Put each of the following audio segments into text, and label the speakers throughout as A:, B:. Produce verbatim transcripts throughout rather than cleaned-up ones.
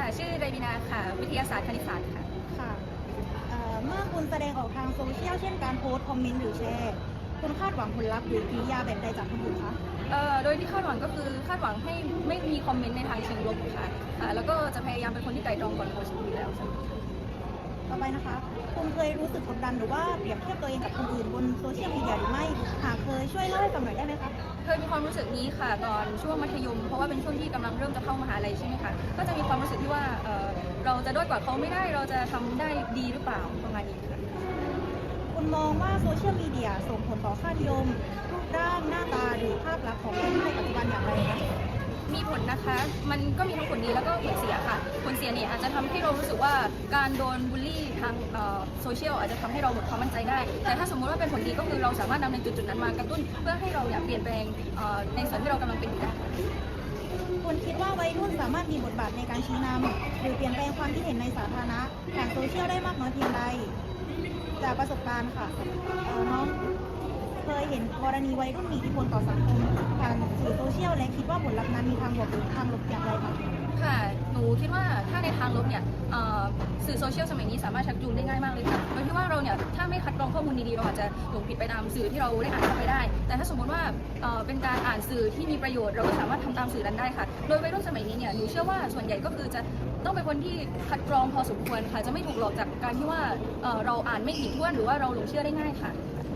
A: ชื่อไรบินาค่ะวิทยาศาสตร์คณิตศาสตร์ค่ะ
B: ค่ะเอ่อเมื่อคุณแสดงออกทางโซเชียลเช่นการโพสต์คอมเมนต์หรือแชร์คุณคาดหวังผลลัพธ์หรือกิริยาแบบใดจากคนอื่นคะ
A: เอ่อโดยที่คาดหวังก็คือคาดหวังให้ไม่มีคอมเมนต์ในทางเชิงลบค่ะอ่าแล้วก็จะพยายามเป็นคนที่ไตร่ตรองก่อนโพสต์อยู่แล้วค่ะ
B: ต่อไปนะคะคุณเคยรู้สึกกดดันหรือว่าเปรียบเทียบตัวเองกับคนอื่นบนโซเชียลมีเดียหรือไม่หากเคยช่วยเล่าให้ฟังหน่อยได้ไหมคะ
A: เคยมีความรู้สึกนี้ค่ะตอนช่วงมัธยมเพราะว่าเป็นช่วงที่กำลังเริ่มจะเข้ามหาลัยใช่ไหมคะก็จะมีความรู้สึกที่ว่าเอ่อเราจะด้อยกว่าเขาไม่ได้เราจะทำได้ดีหรือเปล่าประมาณนี้ค่ะ
B: คุณมองว่าโซเชียลมีเดียส่งผลต่อค่านิยมรูปร่างหน้าตาหรือภาพลักษณ์ของคนในปัจจุบันอย่างไรคะ
A: มีผลนะคะมันก็มีทั้งผลดีแล้วก็ผลเสียค่ะผลเสียเนี่ยอาจจะทำให้เรารู้สึกว่าการโดนบูลลี่ทางโซเชียลอาจจะทำให้เราหมดความมั่นใจได้แต่ถ้าสมมติว่าเป็นผลดีก็คือเราสามารถนำในจุดๆนั้นมากระตุ้นเพื่อให้เราอยากเปลี่ยนแปลงในส่วนที่เรากำลังเป็นอยู่ได้
B: คุณคิดว่าวัยรุ่นสามารถมีบทบาทในการชี้นำหรือเปลี่ยนแปลงความคิดเห็นในสาธารณะผ่านโซเชียลได้มากน้อยเพียงใดจากประสบการณ์ค่ะน้องเคยเห็นกรณีวัยรุ่นมีอิทธิพลต่อสังคมผ่านสื่อโซเชียลและคิดว่าผลลัพธ์นั้นมีทางบวกหรือทางลบอย่างไรคะ
A: ค่ะหนูคิดว่าถ้าในทางลบเนี่ยสื่อโซเชียลสมัยนี้สามารถชักจูงได้ง่ายมากเลยค่ะโดยที่ว่าเราเนี่ยถ้าไม่คัดกรองข้อมูลดีๆเราอาจจะหลงผิดไปตามสื่อที่เราได้อ่านเข้าไปได้แต่ถ้าสมมติว่าเป็นการอ่านสื่อที่มีประโยชน์เราก็สามารถทำตามสื่อนั้นได้ค่ะโดยวัยรุ่นสมัยนี้เนี่ยหนูเชื่อว่าส่วนใหญ่ก็คือจะต้องเป็นคนที่คัดกรองพอสมควรค่ะจะไม่ถูกหลอกจากการที่ว่าเราอ่านไม่ถี่ถ้วนหรือว่าเราหลงเชื่อได้ง่ายค่ะ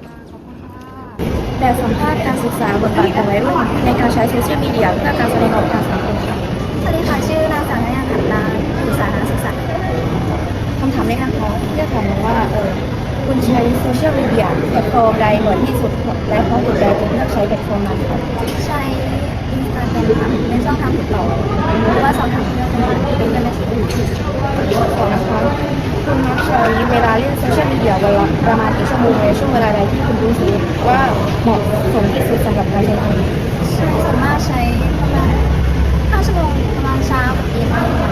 C: แบบสัมภาษณ์การศึกษาบทบาทของวัยรุ่นในการใช้โซเชียลมีเดียเพื่อการแสดงออกทางสังคมค่ะ
D: สวัสดีค่ะชื่อนางสาวนายาขันตาศึกษานักศึกษา
C: คำถามแรกนะคะที่จะถามว่าเออคุณใช้โซเชียลมีเดียแพลตฟอร์มใดบ่อยที่สุดและเพราะเหตุใดถึงเลือกใช้แพลตฟอร์มนั้นคะ
D: ใช้อินสตาแกรมค่ะเป็นช่องทางติดต่อหรือว่าช่องทางที่เป็นกันในชีวิต
C: ขอนะคะคุณมักใช้เวลาเล่นโซเชียลมีเดียวันละประมาณกี่ชั่วโมงในช่วงเวลาใดที่คุณรู้สึกว่าเหมาะสมที่สุดสำหรับการใช้งาน
D: สามารถใช้ประมาณห้าชั่วโมงประมาณเช้ากับเย็น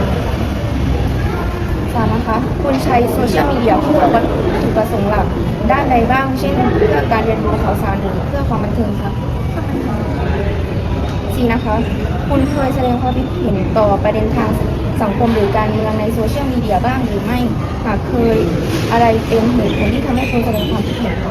C: สามนะคะคุณใช้โซเชียลมีเดียเพื่อวัตถุประสงค์หลักด้านใดบ้างเช่นเพื่อการเรียนรู้ข่าวสารหรือเพื่อความบันเทิงคะสี่นะคะคุณเคยแสดงความคิดเห็นต่อประเด็นทางสังคมหรือการเมืองในโซเชียลมีเดียบ้างหรือไม่หากเคยอะไรเป็นเหตุผลที่ทำให้คุณแสดงความคิดเห็น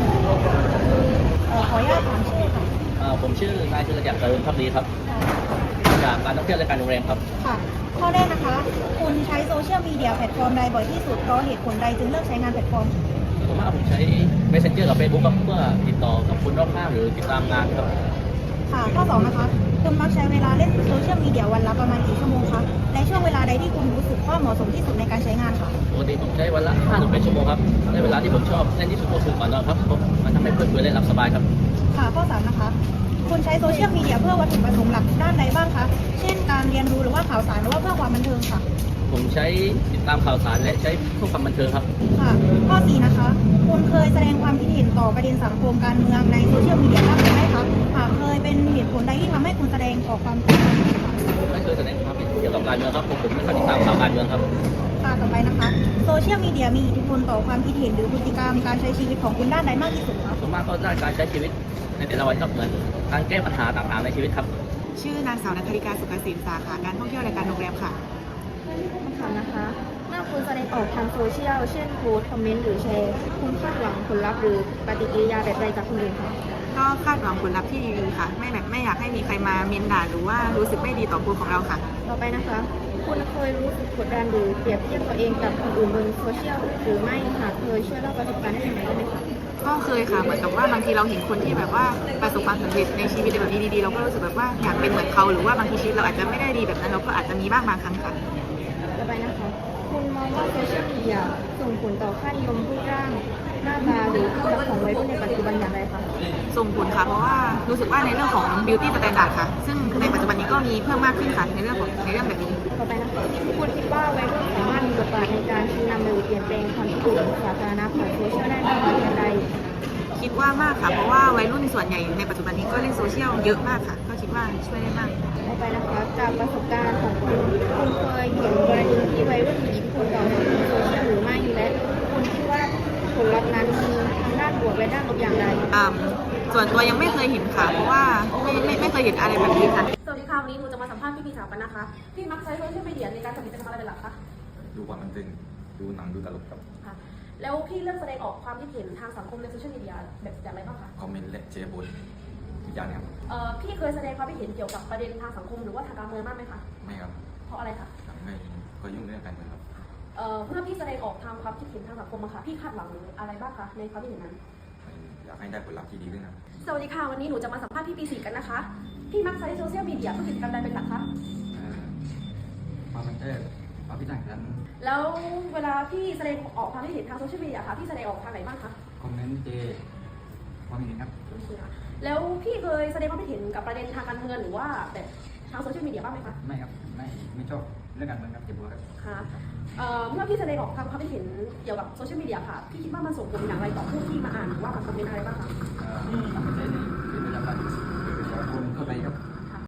B: ขออนุญาตถามชื่อค่ะ
E: ผมชื่อนายธีรศักดิ์ เจริญภักดีครับจากการท่องเที่ยวและการโรงแรมครับ
B: ค่ะข้อแรกนะคะคุณใช้โซเชียลมีเดียแพลตฟอร์มใดบ่อยที่สุดเพราะเหตุผลใดจึงเลือกใช้งานแพลตฟอร์ม
E: ผมว่าผมใช้ Messenger กับ Facebook ครับเพื่อติดต่อกับคนรอบข้างหรือติดตามงานครับ
B: ค่ะข้อสองนะคะคุณมักใช้เวลาเล่นโซเชียลมีเดียวันละประมาณกี่ชั่วโมงคะในช่วงเวลาใดที่คุณรู้สึกว่าเหมาะสมที่สุดในการใช้งานค่ะ
E: ปกติผมใช้วันละห้าถึงแปดชั่วโมงครับในเวลาที่ผมชอบเล่นที่สุดก็คือก่อนนอนครับมันทำให้เพื่อนเพื่อนเล่นหลับสบายครับ
B: ค่ะข้อสามนะคะคุณใช้โซเชียลมีเดียเพื่อวัตถุประสงค์หลักด้านใดบ้างคะเช่นการเรียนรู้หรือว่าข่าวสารหรือว่าเพื่อความบันเทิงค่ะ
E: ผมใช้ติดตามข่าวสารและใช้เพื่อความบันเทิงครับ
B: ค่ะข้อสี่นะคะคุณเคยแสดงความคิดเห็นต่อประเด็นสังคมการเมืองในโซเชียลมีเดียบ้างหรือไม่คะหากเคยเป็นเหตุผลใดที่ทำให้คุณแสดงออกความคิดเห็น
E: ไม่เคยแสดงความคิดเห็นเกี่ยวกับการเมืองครับผมผมไม่ค่อยติดตามข่าวการเมืองครับ
B: ค่ะต่อไปนะคะโซเชียลมีเดียมีอิทธิพลต่อความคิดเห็นหรือพฤติกรรมการใช้ชีวิตของคุณด้านใดมากที่สุดคะ
E: ส่วนมากก็ด้านการใช้ชีวิตในแต่ละวันครับเหมือนการแก้ปัญหาต่างๆในชีวิตครับ
F: ชื่อนางสาวนัทธริกาสุขศิลป์สาขาการท่องเที่ยวและการโรงแรมค่ะ
C: คำถามนะคะเมื่อคุณแสดงออกทางโซเชียลเช่นโพสต์คอมเมนต์หรือแชร์คุณคาดหวังผลลัพธ์หรือปฏิกิริยาแบบใดจากคนอื่นคะ
F: ก็คาดหวังผลลัพธ์ที่ดีๆค่ะไม่แบบไม่อยากให้มีใครมาเมนด่าหรือว่ารู้สึกไม่ดีต่อโพสต์ของเราค่ะ
C: ต่อไปนะคะคุณเคยรู้สึกกดดันหรือเปรียบเทียบตัวเองกับคนอื่นบนโซเชียลหรือไม่หากเคยช่วยเล่าประสบการณ์ให้ฟังได้ไหมคะ
F: ก็เคยค่ะเหมือนกับว่าบางทีเราเห็นคนที่แบบว่าประสบความสำเร็จในชีวิตแบบนี้ดีๆเราก็รู้สึกแบบว่าอยากเป็นเหมือนเขาหรือว่าบางทีชีวิตเราอาจจะไม่ได้ดีแบบนั้นเราก็อาจจะมีบ้างบางครั้งค่ะ
C: ต่อไปนะคะคุณมองว่าโซเชียลมีเดียส่งผลต่อค่านิยมรูปร่างหน้าตาหรือภาพลักษณ์ของวัยรุ่นในปัจจุบันอย่างไรคะ
F: ส่งผลค่ะเพราะว่ารู้สึกว่าในเรื่องของ beauty standard ค่ะซึ่งในปัจจุบันนี้ก็มีเพิ่มมากขึ้นค่ะในเรื่องของในเรื่องแบบนี้
C: ต่อไปนะคะคุณคิดว่าวัยรุ่นสามารถมีบทบาทในการชี้นำหรือเปลี่ยนแปลงความคิดเห็นสาธารณะผ่านโซเชียลได้มากน้อยเพียงใด
F: คิดว่ามากค่ะเพราะว่าวัยรุ่นส่วนใหญ่ในปัจจุบันนี้ก็เล่นโซเชียลเยอะมากค่ะก็คิดว่าช่วยได้มาก
C: ต่อไปนะคะจากประสบการณ์ของคุณคุณเคยเห็นกรณีที่วัยรุ่นมีอิทธิพลต่อสังคมโซเชียลหรือไม่และคุณคิดว่าผลลัพธ์นั้นมีทั้งด้านบวกและด้านลบอย่างไร
F: ส่วนตัวยังไม่เคยเห็นค่ะเพราะว่าไม่ไม่ไม่เคยเห็นอะไรแบบนี้ค่ะ
G: สวัสดีค่ะวันนี้หนูจะมาสัมภาษณ์พี่พีสาวกันนะคะพี่มักใช้โซเชียลมีเดียในการทำกิจกรรมอะไรเป็นหลักคะ
H: ดูความบันเทิงดูหนังดูตลกครับ
G: ค่ะแล้วพี่เลือกแสดงออกความคิดเห็นทางสังคมในโซเชียลมีเดียแบบอย่างไรบ้างคะ
H: คอมเมนต์และแชร์โพสต์ทุกอย่างครับ
G: เอ่อพี่เคยแสดงความคิดเห็นเกี่ยวกับประเด็นทางสังคมหรือว่าทางการเมืองบ้างไหมคะ
H: ไม่ครับ
G: เพราะอะไรคะ
H: ไม่ก็ยุ่งเรื่องการเมืองครับ
G: เอ่อเมื่อพี่แสดงออกทางความคิดเห็นทางสังคมอะค่ะพี่คาดหวังอะไรบ้างคะในความคิดเห็นนั้น
H: อยากให้ได้ผลลัพธ์ที่ดีขึ้นครับ
G: สวัสดีค่ะวันนี้หนูจะมาสัมภาษณ์พี่ปีสี่กันนะคะพี่มักใช้โซเชียลมีเดียเพื่อกิจกรรมใดเป็นหลักคะ
H: ความบันเทิงความพิจารณา
G: แล้วเวลาพี่แสดงออกความคิดเห็นทางโซเชียลมีเดียค่ะพี่แสดงออกทางไหนบ้างคะ
H: คอมเมนต์เจความเห็นครับ
G: โอเคค่ะแล้วพี่เคยแสดงความคิดเห็นกับประเด็นทางการเมืองหรือว่าแบบทางโซเชียลมีเดียบ้างไหมคะ
H: ไม่ครับไม่ไม่ชอบเรื่องการเมืองครับเจ็บปวดครับ
G: ค่ะเอ่อเมื่อพี่แสดงออกทางความคิดเห็นเกี่ยวกับโซเชียลมีเดียค่ะพี่คิดว่ามันส่งผลอย่างไรต่อผู้ที่มาอ่านหรือว่ามาคอมเมนต์อะไรบ้างคะ
H: เอ่อทำให้ใช้ในชีวิตประจำวันหรือคนทั่วไปครับ